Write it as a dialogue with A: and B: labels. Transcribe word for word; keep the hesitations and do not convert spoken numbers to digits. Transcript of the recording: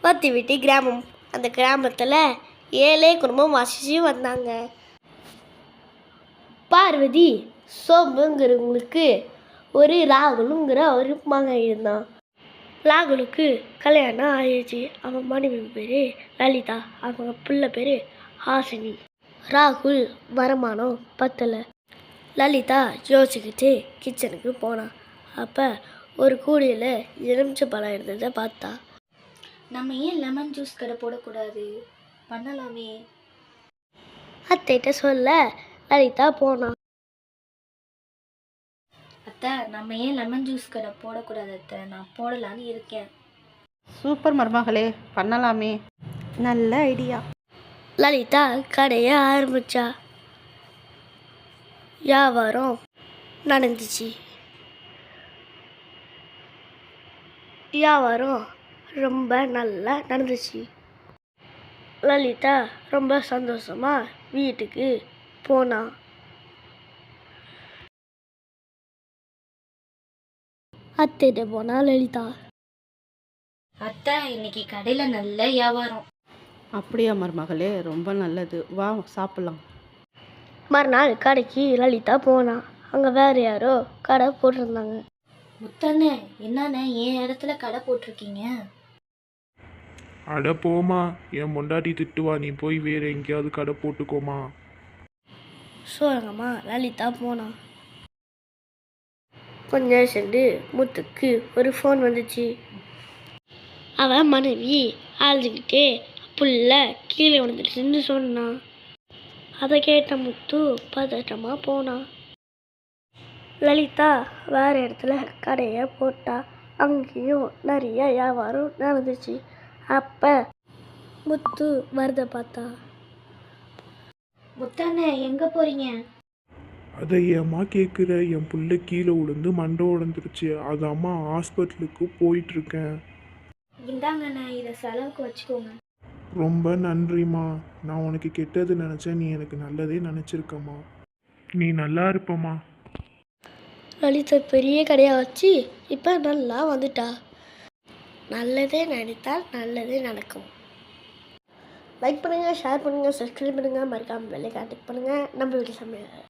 A: பத்து வீட்டு கிராமம். அந்த கிராமத்தில் ஏழை குடும்பம் வசிச்சு வந்தாங்க. பார்வதி சோம்புங்கிறவங்களுக்கு ஒரு ராகுலுங்கிற ஒரு மகன் இருந்தான். ராகுலுக்கு கல்யாணம் ஆயிடுச்சு. அவன் மனைவி பேர் லலிதா, அவங்க பிள்ளை பேர் ஹாசினி. ராகுல் வருமானம் பத்தலை. லலிதா யோசிச்சுக்கிட்டு கிச்சனுக்கு போனான். அப்போ ஒரு கூடையில் எலுமிச்சை பழம் இருந்ததை பார்த்தா.
B: நம்ம ஏன் லெமன் ஜூஸ் கடை போடக்கூடாது? பண்ணலாமே.
A: அத்தைகிட்ட சொல்ல லலிதா போனான்.
B: அத்தை, நம்ம ஏன் லெமன் ஜூஸ் கடை போடக்கூடாது அத்தை? நான் போடலான்னு இருக்கேன்.
C: சூப்பர் மருமகளே, பண்ணலாமே. நல்ல ஐடியா.
A: லலிதா கடையை ஆரம்பிச்சா. வியாபாரம் நடந்துச்சு. வியாபாரம் ரொம்ப நல்லா நடந்துச்சு. லலிதா ரொம்ப சந்தோஷமா வீட்டுக்கு போனா. அத்தைகிட்ட போனா லலிதா.
B: அத்தை, இன்னைக்கு கடையில் நல்ல வியாபாரம்.
C: அப்படியா மருமகளே, ரொம்ப நல்லது. வா சாப்பிடலாம்.
A: மறுநாள் கடைக்கு லலிதா போனா. அங்கே வேற யாரோ கடை போட்டிருந்தாங்க.
B: முத்தண்ணே, என்னண்ணே என் இடத்துல கடை போட்டிருக்கீங்க?
D: அட போமா, என் பொண்டாட்டி திட்டுவா, நீ போய் வேற எங்கேயாவது கடை போட்டுக்கோமா.
A: சொல்லுங்கம்மா. லலிதா போனா. கொஞ்ச நேரம் சென்று முத்துக்கு ஒரு ஃபோன் வந்துச்சு. அவன் மனைவி அழுதுகிட்டே புள்ள கீழே விழுந்துடுச்சுன்னு சொன்னான். அதை கேட்ட முத்து பதட்டமா போனான். லலிதா வேற இடத்துல கடையை போட்டா. அங்கேயும் நிறைய வியாபாரம் நடந்துச்சு. அப்ப முத்து வரத பார்த்தா.
B: முத்தண்ணே, எங்க போறீங்க?
D: அதை ஏம்மா கேட்குற? என் புள்ள கீழே விழுந்து மண்டை உடந்துருச்சு. அது அம்மா ஹாஸ்பிட்டலுக்கு போயிட்டுருக்கேன்.
B: இந்தாங்கண்ணே, இதை செலவுக்கு வச்சுக்கோங்க.
D: ரொம்ப நன்றிம்மா. நான் உனக்கு கெட்டது நினச்சேன், நீ எனக்கு நல்லதே நினச்சிருக்கம்மா. நீ நல்லா இருப்பம்மா.
A: லலிதா பெரிய கடையாக வச்சு இப்போ நல்லா வந்துட்டா. நல்லதே நினைத்தால் நல்லதே நடக்கும். லைக் பண்ணுங்கள், ஷேர் பண்ணுங்கள், சப்ஸ்கிரைப் பண்ணுங்கள், மறக்காமல் பெல் ஐகானை கிளிக் பண்ணுங்கள். நம்ம வீட்டு சமையல்.